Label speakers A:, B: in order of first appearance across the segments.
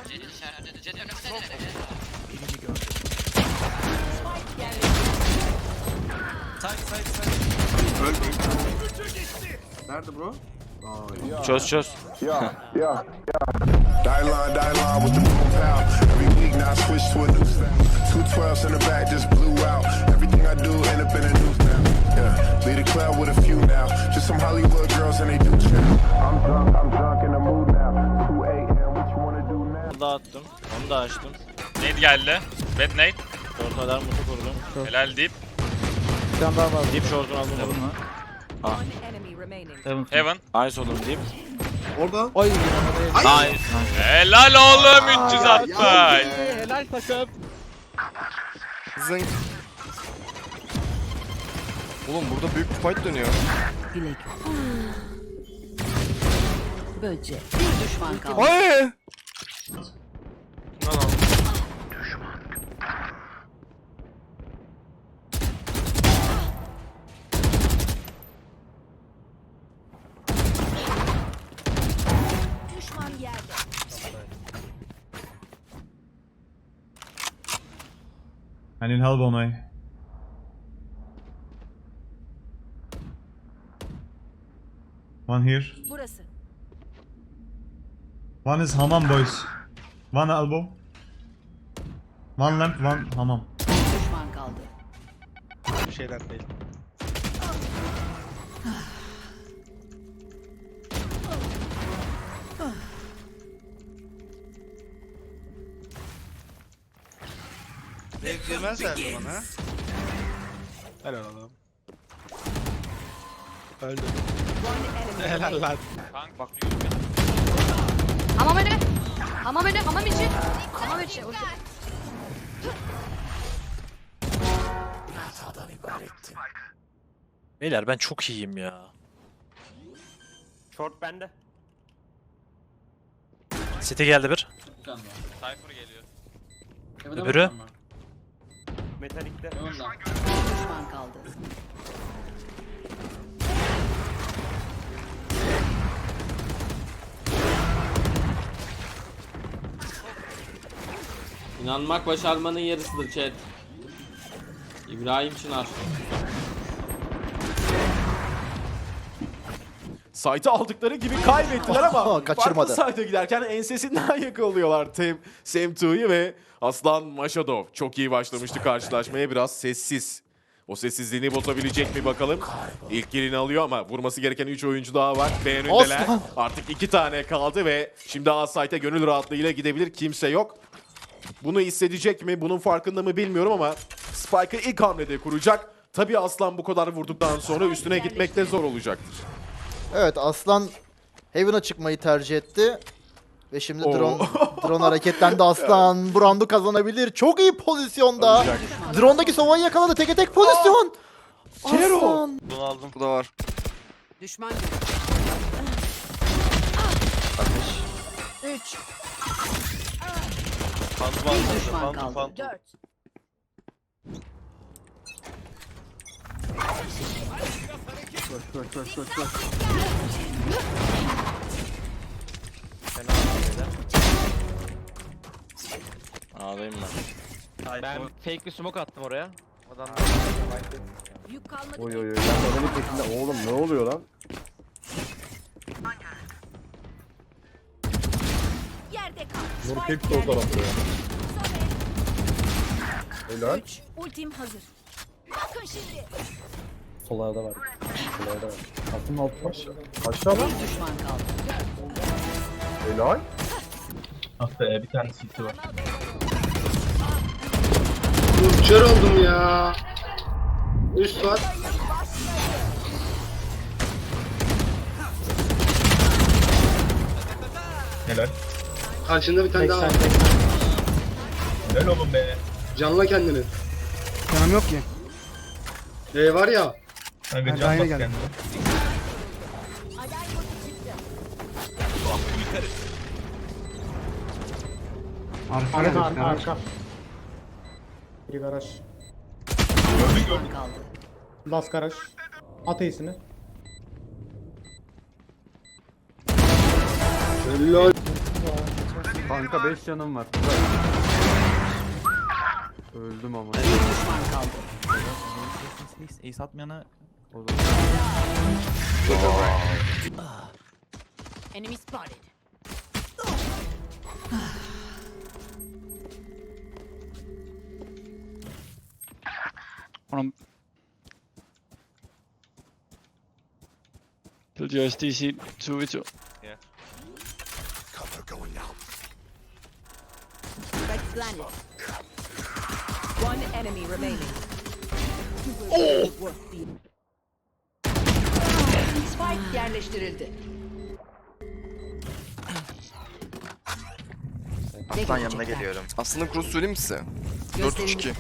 A: Nerede bro?
B: Çöz.
C: Yeah. Die line with the boom pow. Every week now I switch to a new style. 212s in the back just blew out. Everything I do end up in a new style. Yeah, lead a club with a few now. Just some Hollywood girls and they do chill. I'm drunk in the mood now. 2 a.m. What you wanna do now?
B: Dağıttım. Onu da açtım.
D: Nade geldi. Bad nade.
B: Short'lar mutu kurdum.
D: Helal deyip.
E: Bir tane daha var.
B: Deep short'unu aldım.
D: Heaven.
B: Nice oğlum deyip.
A: Orada.
E: Oy.
B: Nice.
D: Helal oğlum 360.
E: Helal takım.
F: Zınk. Oğlum burada büyük bir fight dönüyor.
G: Bilek. Böcek. Bir düşman kaldı.
F: Ay!
G: Düşman yerde.
H: I need help on me. One here.
G: Burası.
H: One is hamam boys. One elbow. One lamp, one hamam.
G: Bir düşman kaldı.
E: Bir şeyden değil.
I: Girmezler mi bana?
E: Helal oğlum. Öldü. Helal lan.
D: Kanka bak.
G: Hamam önü. Hamam önü. Hamam içi. Hamam içi.
B: Beyler ben çok iyiyim ya.
E: Short bende.
B: City geldi bir.
D: Cypher geliyor.
B: Öbürü.
E: Metalikte.
G: Bir düşman kaldı.
J: İnanmak başarmanın yarısıdır chat. İbrahim Çınar.
K: Site'ı aldıkları gibi kaybettiler ama
E: kaçırmadı.
K: farklı site'a giderken ensesinden yakalıyorlar Sem2'yi ve Aslan Mashadov. Çok iyi başlamıştı karşılaşmaya, biraz sessiz. O sessizliğini bozabilecek mi bakalım. İlk kilini alıyor ama vurması gereken 3 oyuncu daha var. B önündeler. Artık 2 tane kaldı ve şimdi A site'e gönül rahatlığıyla gidebilir. Kimse yok. Bunu hissedecek mi? Bunun farkında mı bilmiyorum ama Spike'ı ilk hamlede kuracak. Tabii Aslan bu kadar vurduktan sonra üstüne gitmek de zor olacaktır.
E: Evet, Aslan Heaven'a çıkmayı tercih etti. Ve şimdi drone hareketlendi Aslan. Bu roundu kazanabilir. Çok iyi pozisyonda. Drone'daki Sova'yı yakaladı. Teke tek pozisyon. Aslan.
F: Bunu aldım. Bu da var.
G: Düşman 3. Bir düşman kaldı. 4.
A: Koş.
B: Ağlayayım ben.
E: Ben fake bir smoke attım oraya.
G: Yük kalmadı.
A: Oy. Ben adamın peşinde. Oğlum ne oluyor lan?
G: Yerde kal.
A: Nur hep sol tarafta ya. Helal.
G: 3. Ultim hazır. Bakın şimdi.
A: Sollarda var. Altın altı baş. Aşağı lan.
G: Bir düşman kaldı.
A: Helal.
H: Ah be, bir tane city var.
I: Kör oldum ya. Üst var.
H: Helal.
I: Karşında bir tane daha var.
H: Helal oğlum be.
I: Canla kendini.
E: Canım yok ki.
I: Var ya.
H: Kanka can bas kendine.
E: Arka.
A: Bir garaj.
G: Düşman kaldı.
A: Las garaj. At iyisini.
I: Helal.
A: Kanka 5 canım var. Öldüm ama.
G: Bir düşman kaldı.
A: Ace atmayana
G: Enemy spotted.
J: Killjoy's DC 2v2.
G: Spike planted. One enemy remaining. Spike yerleştirildi.
F: Aslan yanına geliyorum. Aslında cross söyleyeyim mi size? 4-3-2.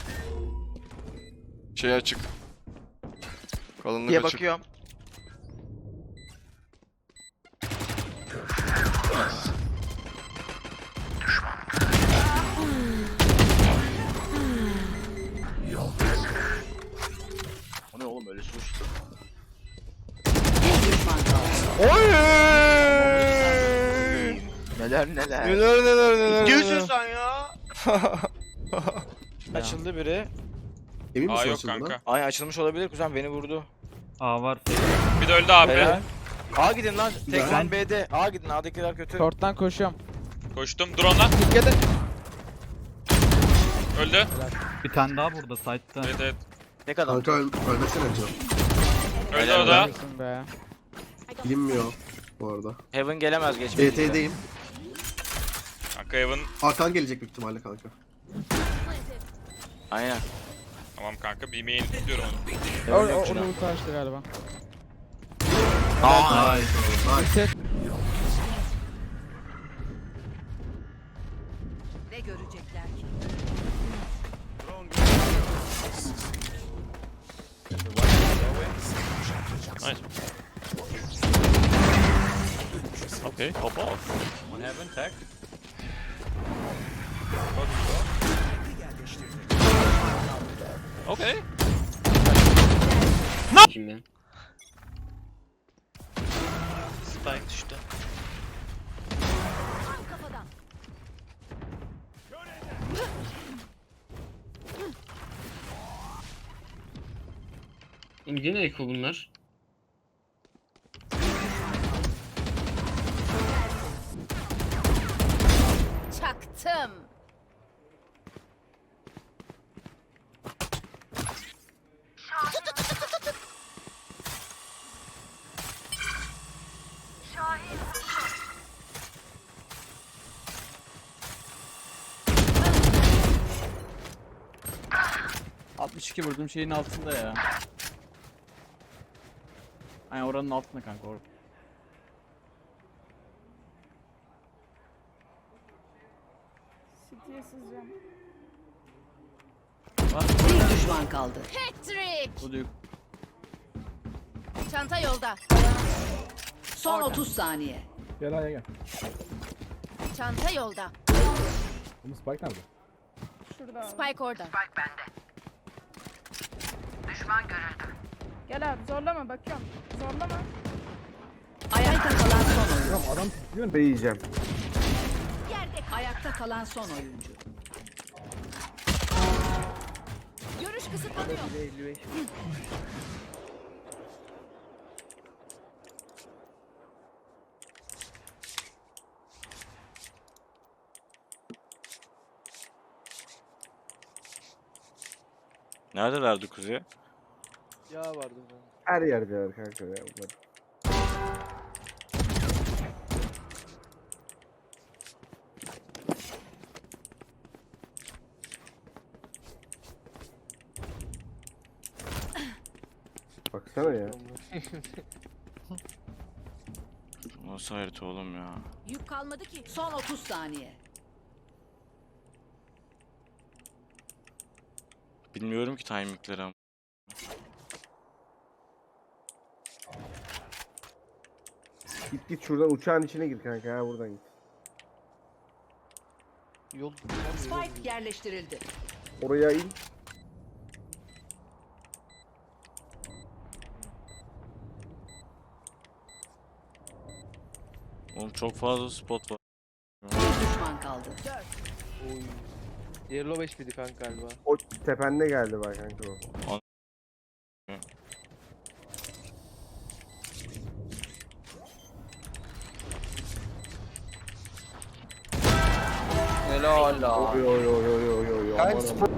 F: Şey açık. Kalınlık
L: Diye
F: açık.
L: bakıyorum.
F: O ne oğlum öyle sus.
G: Bir düşman kaldı.
F: Oy!
L: Neler.
F: Neler.
L: Diyorsun sen ya.
J: Açıldı biri.
I: Emin
D: Aa yok kanka.
L: Ay açılmış olabilir kuzen beni vurdu.
A: A var.
D: Bir de öldü abi.
L: Helal. A gidin lan. Tek
A: Ben-
L: lan B'de. A gidin. A'dakiler kötü.
A: Short'tan koşuyorum.
D: Koştum. Drone'la. Öldü.
A: Bir tane daha burada site'ta.
D: Evet evet.
L: Tek adam.
I: ölmesene canım.
D: Öldü o da.
A: Be.
I: Bilinmiyor bu arada.
L: Heaven gelemez geçmedi.
I: BT'deyim.
D: Kanka Evan.
I: Arkan gelecek büyük ihtimalle kanka.
L: Aynen.
D: Tamam kanka. Bir main tutuyorum onu.
A: Onu karşıtı galiba.
L: Aa.
G: Ne görecekler ki?
B: Nice. Okay, pop off.
D: One heaven tag.
B: Okay.
J: Spike düştü.
G: Kafadan.
I: Yine eko bunlar.
G: Çaktım.
A: Vurduğum şeyin altında ya. Aynen oranın altında kanka.
G: Bir düşman kaldı.
A: Bu da
G: Çanta yolda. Son 30 saniye.
A: Gel hadi gel.
G: Çanta yolda.
A: Bunu Spike nerede?
G: Spike orada.
M: Gel abi zorlama bakıyorum. Zorlama.
G: Ayakta kalan son oyuncu.
A: Adam tutuyor ne yiyeceğim.
G: Ayakta kalan son oyuncu. Görüş kısıtlanıyor.
L: Neredelerdi kuzey?
J: Ya vardı.
A: Her yerde var kanka ya. Baksana ya.
L: Nasıl harita oğlum ya?
G: Yük kalmadı ki. Son 30 saniye.
L: Bilmiyorum ki timingleri ama.
A: Git şuradan uçağın içine gir kanka ha buradan git.
J: Yol.
G: Spike yerleştirildi.
A: Oraya in.
L: Oğlum çok fazla spot var.
G: Bir düşman
J: Oy. Yellow 5 miydi kanka galiba?
I: O tepende geldi bak kanka o.
F: Helal la.
I: Oy oy oy oy oy oy.
F: Kanka